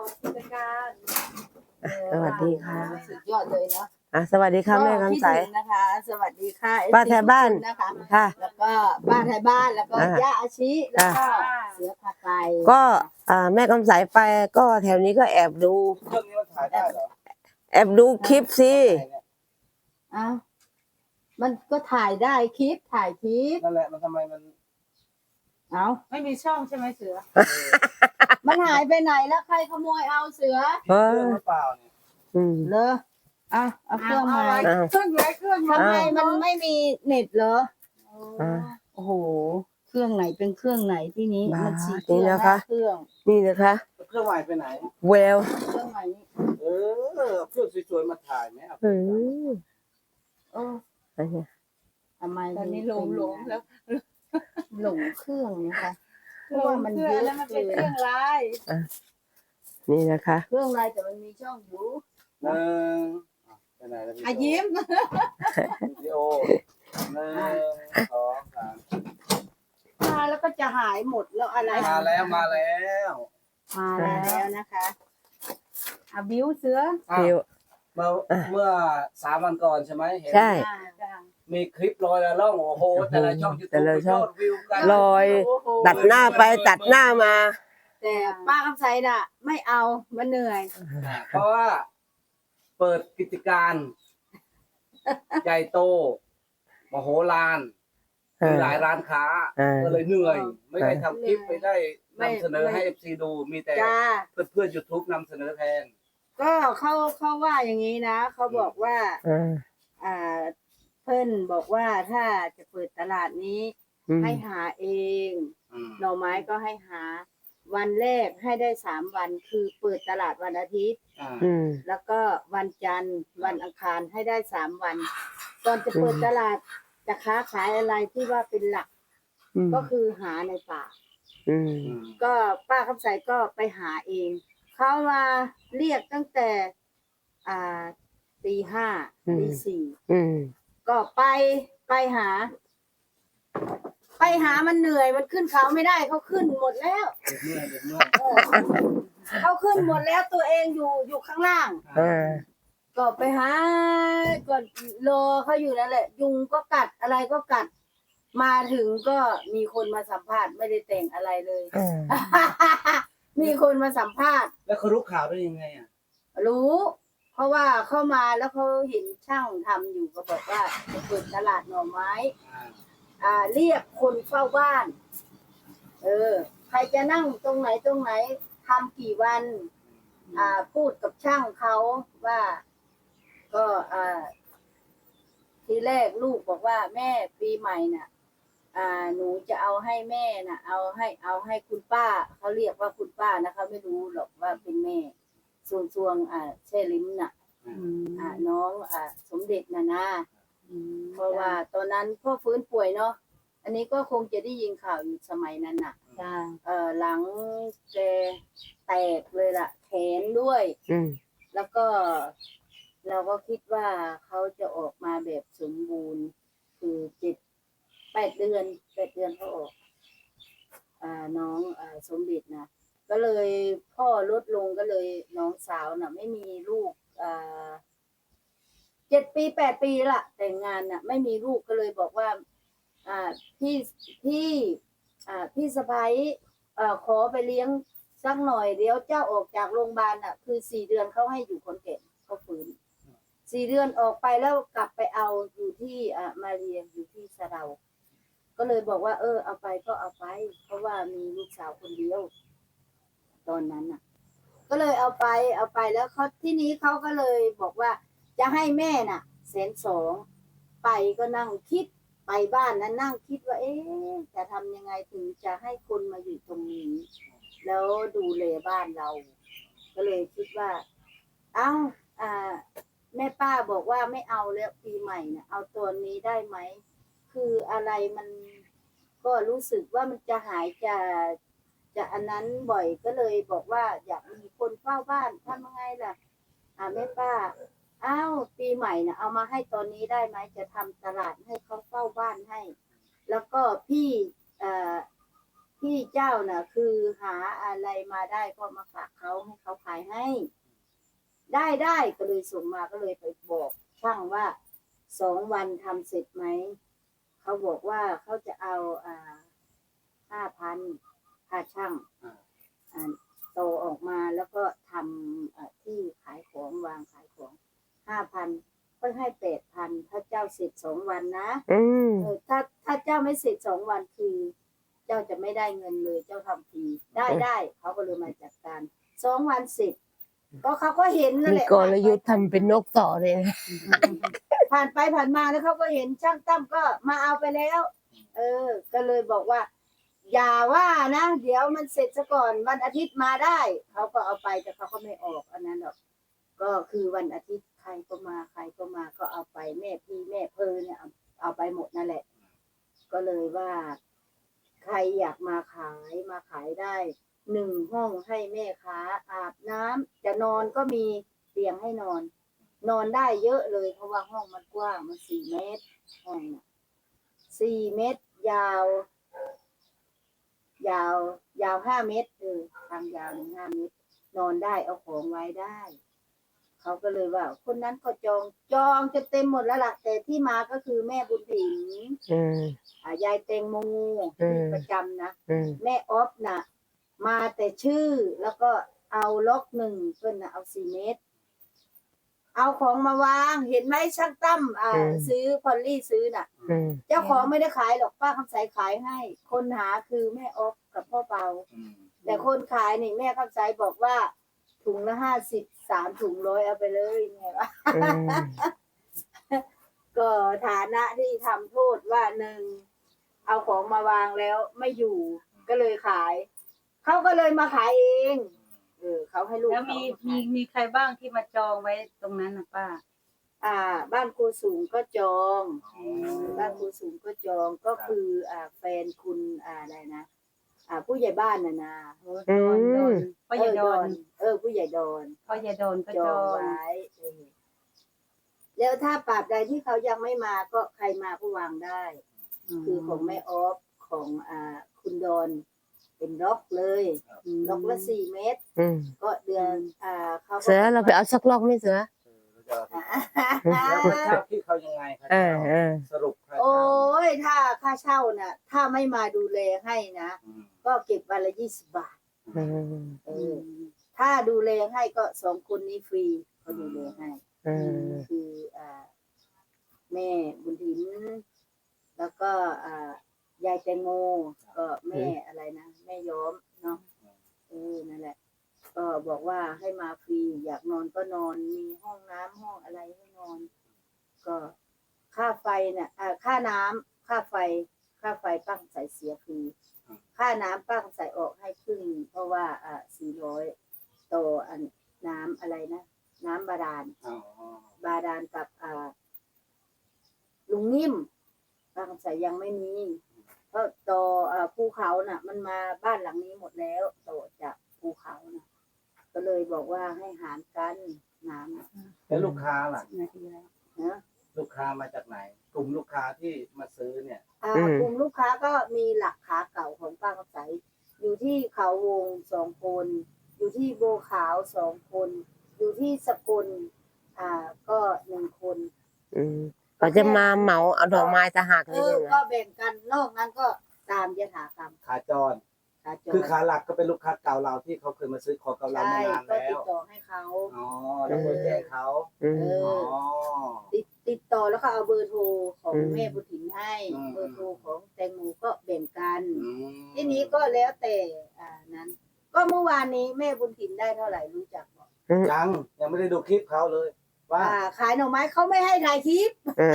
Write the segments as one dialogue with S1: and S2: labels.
S1: กิจการ
S2: สวัสดีค่ะ
S1: สุดยอดเลยเนาะ
S2: สวัสดีค่ะแม่คำใส
S1: นะคะ สวัสดีค่ะ
S2: ป้าไทยบ้าน
S1: นะคะ
S2: ค่ะ
S1: แล้วก็ป้าไทยบ้านแล้วก็ย่าอาชิแล้วก็เสือพาไป
S2: ก็แม่คำใสไปก็แถวนี้ก็แอบดู
S3: เครื่องนี้มันถ่ายได้เหรอ
S2: แอบดูคลิปสิ
S1: อ้าวมันก็ถ่ายได้คลิปถ่ายคลิป
S3: นั่นแหละมันทำไมมัน
S1: เอา
S4: ไม่มีช่องใช่ไหมเสือ
S1: มันหายไปไหนแล้วใครขโมยเอาเสือ
S3: เครื่องหรือเปล่าเนี่ย
S1: เลอเอาเครื่องมา
S4: เครื่องไหนเครื่อง
S1: ทำไมมันไม่มีเน็ตเหรอโอ้โหเครื่องไหนเป็นเครื่องไหนที่นี้มันสี่เครื่องเครื่อง
S2: นี่นะคะ
S3: เครื่องใหม่ไปไหน
S2: เวล
S1: เครื่องใหม่
S3: เครื่องสวยๆมาถ่ายไหม
S1: ทำไม
S4: ตอนนี้หลงแล้ว
S1: หลงเครื่องนะคะเพ
S4: หล
S1: ราะว่ามันเยอะ
S4: แล้วมันเป็นเครื่องลาย
S2: นี่นะคะ
S1: เครื่องลายแต่มันมีช่องอยู่
S3: ไปไหนแล้วพี่
S4: ยิ้ม
S3: วิดีโอ1 2 3
S1: มาแล้วก็จะหายหมดแล้วอะไร
S3: มาแล้ว
S1: นะคะบิวเสือ
S3: เมื่อ3 วันก่อนใช่ไหมเห็น
S2: ใช่
S3: มีคลิปลอยละล่องโอ้โหแต่ละช่องยูทูบยอดวิวกัน
S2: ลอยตัดหน้าไปตัดหน้ามา
S1: แต่ป้าคำไสน่ะไม่เอามันเหนื่อย
S3: เพราะว่าเปิดกิจการใหญ่โตมโหฬารมีหลายร้านค้าก็เลยเหนื่อยไม่ได้ทำคลิปไม่ได้นำเสนอให้ FC ดูมีแต่เพื่อน YouTube นำเสนอแทน
S1: ก็เขาว่าอย่างนี้นะเขาบอกว่าเพิ่นบอกว่าถ้าจะเปิดตลาดนี้ให้หาเองหน่อไม้ก็ให้หาวันแรกให้ได้3 วันคือเปิดตลาดวันอาทิตย์แล้วก็วันจันทร์วันอังคารให้ได้3 วันก่อนจะเปิดตลาดจะค้าขายอะไรที่ว่าเป็นหลักก็คือหาในป่าก็ป้าคำใสก็ไปหาเองเขามาเรียกตั้งแต่ตี 5 ตี 4ก็ไปหามันเหนื่อยมันขึ้นเขาไม่ได้เขาขึ้นหมดแล้วเขาขึ้นหมดแล้วตัวเองอยู่ข้างล่างก็ไปหาก็รอเขาอยู่นั่นแหละยุงก็กัดอะไรก็กัดมาถึงก็มีคนมาสัมภาษณ์ไม่ได้แต่งอะไรเลยมีคนมาสัมภาษณ์
S3: แล้วเขารู้ข่าวได้ยังไง
S1: รู้เพราะว่าเข้ามาแล้วเขาเห็นช่างทำอยู่ก็บอกว่าจะเปิดตลาดหน่อไม้เรียกคนเฝ้าบ้านใครจะนั่งตรงไหนทำกี่วันพูดกับช่างเขาว่าก็ทีแรกลูกบอกว่าแม่ปีใหม่น่ะหนูจะเอาให้แม่น่ะเอาให้คุณป้าเขาเรียกว่าคุณป้านะคะไม่รู้หรอกว่าเป็นแม่ส่วนเช่ลิ้มน่ะน้องสมเด็จนะเพราะว่าตอนนั้นพ่อฟื้นป่วยเนาะอันนี้ก็คงจะได้ยินข่าวอยู่สมัยนั้นน่ะหลังแกแตกเลยล่ะแขนด้วยแล้วก็เราก็คิดว่าเขาจะออกมาแบบสมบูรณ์คือ8 เดือนเขาออกน้องสมเด็จนะก็เลยพ่อลดลงก็เลยน้องสาวน่ะไม่มีลูก7 ปี 8 ปีละแต่งงานน่ะไม่มีลูกก็เลยบอกว่าพี่สะใภ้ขอไปเลี้ยงสักหน่อยเดี๋ยวเจ้าออกจากโรงพยาบาลน่ะคือ4 เดือนเขาให้อยู่คนแก่เขาฟื้น4 เดือนออกไปแล้วกลับไปเอาอยู่ที่มาเรียนอยู่ที่สะเดาก็เลยบอกว่าเอาไปก็เอาไปเพราะว่ามีลูกสาวคนเดียวตอนนั้นน่ะก็เลยเอาไปแล้วเขาที่นี้เขาก็เลยบอกว่าจะให้แม่น่ะ120,000ไปก็นั่งคิดไปบ้านนั้นนั่งคิดว่าจะทำยังไงถึงจะให้คนมาอยู่ตรงนี้แล้วดูแลบ้านเราก็เลยคิดว่าแม่ป้าบอกว่าไม่เอาแล้วปีใหม่เนี่ยเอาตัวนี้ได้ไหมคืออะไรมันก็รู้สึกว่ามันจะหายจะอันนั้นบ่อยก็เลยบอกว่าอยากมีคนเฝ้าบ้านทำยังไงล่ะแม่ป้าปีใหม่นะเอามาให้ตอนนี้ได้ไหมจะทำตลาดให้เขาเฝ้าบ้านให้แล้วก็พี่เจ้าน่ะคือหาอะไรมาได้ก็มาฝากเขาให้เขาขายให้ ได้ก็เลยส่งมาก็เลยไปบอกช่างว่า2 วันทำเสร็จไหมเขาบอกว่าเขาจะเอา5,000ค่าช่างโตออกมาแล้วก็ทำที่ขายของวางขายของ 5,000ก็ให้ 8,000ถ้าเจ้าเสร็จ2 วันนะถ้าเจ้าไม่เสร็จ2 วันคือเจ้าจะไม่ได้เงินเลยเจ้าทำฟรีได้เขาก็เลยมาจัดการ2 วันเสร็จก็เขาก็เห็นนั่น
S2: มี
S1: แหละ
S2: กลยุทธ์ทำเป็นนกต่อเลยนะ
S1: ผ่านไปผ่านมาแล้วเขาก็เห็นช่างตั้มก็มาเอาไปแล้ว ก็เลยบอกว่า อย่าว่านะเดี๋ยวมันเสร็จซะก่อนวันอาทิตย์มาได้เขาก็เอาไปแต่เขาก็ไม่ออกอันนั้นหรอกก็คือวันอาทิตย์ใครก็มาก็เอาไปแม่พี่แม่เพอเนี่ยเอาไปหมดนั่นแหละก็เลยว่า ใครอยากมาขายได้1 ห้องให้แม่ค้าอาบน้ำจะนอนก็มีเตียงให้นอนได้เยอะเลยเพราะว่าห้องมันกว้างมัน4 เมตรห้องน่ะ4 เมตรยาว5 เมตรทางยาว5 เมตรนอนได้เอาของไว้ได้เขาก็เลยว่าคนนั้นก็จองจะเต็มหมดแล้วล่ะแต่ที่มาก็คือแม่บุญถิ่นยายแตงโมที่ประจำนะแม่ออฟน่ะมาแต่ชื่อแล้วก็เอาล็อก1เพิ่นน่ะเอา4 เมตรเอาของมาวางเห็นไหมช่างตั้มซื้อพอลลี่ซื้อน่ะเจ้าของไม่ได้ขายหรอกป้าคำใสขายให้คนหาคือแม่ออฟกับพ่อเปาแต่คนขายนี่แม่คำใสบอกว่าถุงละ50 3 ถุง100เอาไปเลยไงวะก็ฐานะที่ทำโทษว่า1เอาของมาวางแล้วไม่อยู่ก็เลยขายเขาก็เลยมาขายเองเขาให้ลูก
S4: แล้วมีใครบ้างที่มาจองไว้ตรงนั้นนะป้า
S1: บ้านครูสูงก็จองบ้านครูสูงก็จองก็คือแฟนคุณอะไรนะผู้ใหญ่บ้านน่ะนะ
S4: พ่อใหญ่ดอน
S1: ผู้ใหญ่ดอน
S4: พ่อใหญ่ดอนก็
S1: จ
S4: จ
S1: อ
S4: อง ง
S1: ไว้แล้วถ้าปราบใดที่เขายังไม่มาก็ใครมาก็วางได้ คือของแม่ออฟของคุณดอนเป็นล็อกเลยล็อกละ4 เมตรก็เดือนเขาก็
S2: เสือเราไปเอาสักล็อกไหมเสือ
S3: แล้วค่าเช่าที่เขายังไงครับสรุปค่า
S1: โอ้
S3: เช่าย
S1: ถ้าค่าเช่าน่ะถ้าไม่มาดูแลให้นะก็เก็บวันละ20 บาทถ้าดูแลให้ก็2 คนนี้ฟรีเขาดูแลให้คือแม่บุญถิ่นแล้วก็ยายแตงโมก็แม่อะไรนะแม่ย้อมเนาะนั่นแหละก็บอกว่าให้มาฟรีอยากนอนก็นอนมีห้องน้ำห้องอะไรให้นอนก็ค่าไฟน่ะค่าน้ำค่าไฟป้าใส่เสียฟรีค่าน้ำป้าใส่ออกให้ครึ่งเพราะว่า400ต่อน้ำอะไรนะน้ำบาดาลกับลุงนิ่มป้าใส่ยังไม่มีเพราะต่อภูเขาน่ะมันมาบ้านหลังนี้หมดแล้วต่อจากภูเขาน่ะก็เลยบอกว่าให้หารกันน้ำ
S3: แล้วลูกค้าล่ะ
S1: นาทีแล้วนะ
S3: ลูกค้ามาจากไหน กลุ่มลูกค้าที่มาซื้อเนี่ย
S1: กลุ่มลูกค้าก็มีหลักขาเก่าของป้าคำใสอยู่ที่เขาวง2 คนอยู่ที่โบขาว2 คนอยู่ที่สกลก็1 คน
S2: เขาจะมาเหมาเอาดอกไม้ตะหักเลย
S1: ก็แบ่งกันนอกนั้นก็ตามยถากรรม
S3: ขาจร คือขาหลักก็เป็นลูกค้าเก่าเราที่เขาเคยมาซื้อของกับเรามานาน
S1: ก็
S3: แล้
S1: ติ
S3: ว
S1: ดต่อให้เขา
S3: แล้วก็แจ้งเขา
S1: ติดต่อแล้วก็เอาเบอร์โทรของแม่บุญถิ่นให้เบอร์โทรของแตงโมก็แบ่งกันทีนี้ก็แล้วแต่นั้น ก็เมื่อวานนี้แม่บุญถิ่นได้เท่าไหร่รู้จักบอก
S3: ยังไม่ได้ดูคลิปเขาเลย ว่า
S1: ขายหน่อไม้เขาไม่ให้ถ่ายคลิป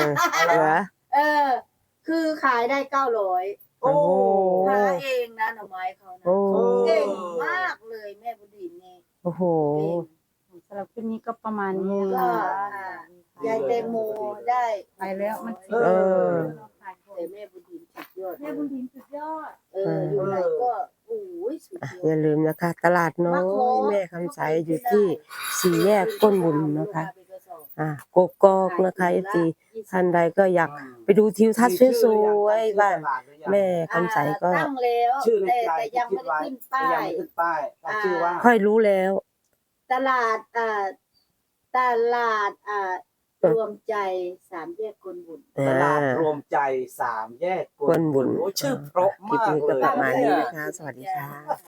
S1: คือขายได้900
S3: โอ้
S1: หาเองนะหน่อไม้เขานะเก่งมากเลยแม่บุญถิ่นนี่
S2: โอ้โห
S4: สำหรับคลิปนี้ก็ประมาณนี้
S1: ก็ ยายแตงโมได้
S4: ไปแล้วมัน
S1: แต่แม่บุญถิ่นสุดยอด
S4: แม่บุญถิ่นสุดยอด
S1: อยู่ไหนก็โอ้ยสุดยอ
S2: อย่า
S1: ด
S2: ลืมนะคะ ตลาดน้อยแม่คำใสอยู่ที่4 แยกก้นบุญนะคะกกอกนะคะท่านใดก็อยากไปดูทิวทัศน์สวยๆบ้านแม่คำใสก็
S1: ตั้งแล้ว
S3: ชื่อในใจ
S1: แต่ยังไม่ได้ขึ้นป้าย
S3: ยังไม่ขึ้นป้ายตั้งชื่อว่า
S2: ค่อยรู้แล้ว
S1: ตลาดตลาดรวมใจสามแยกกลบุญ
S3: ตลาดรวมใจสามแยก
S2: กวนบุญ
S3: โอ้ชื่อเพราะ
S2: คลิป
S3: มาก
S2: นี้
S3: เล
S2: ก็
S3: ย
S2: ประมาณนี้นะคะ สวัสดีค่ะ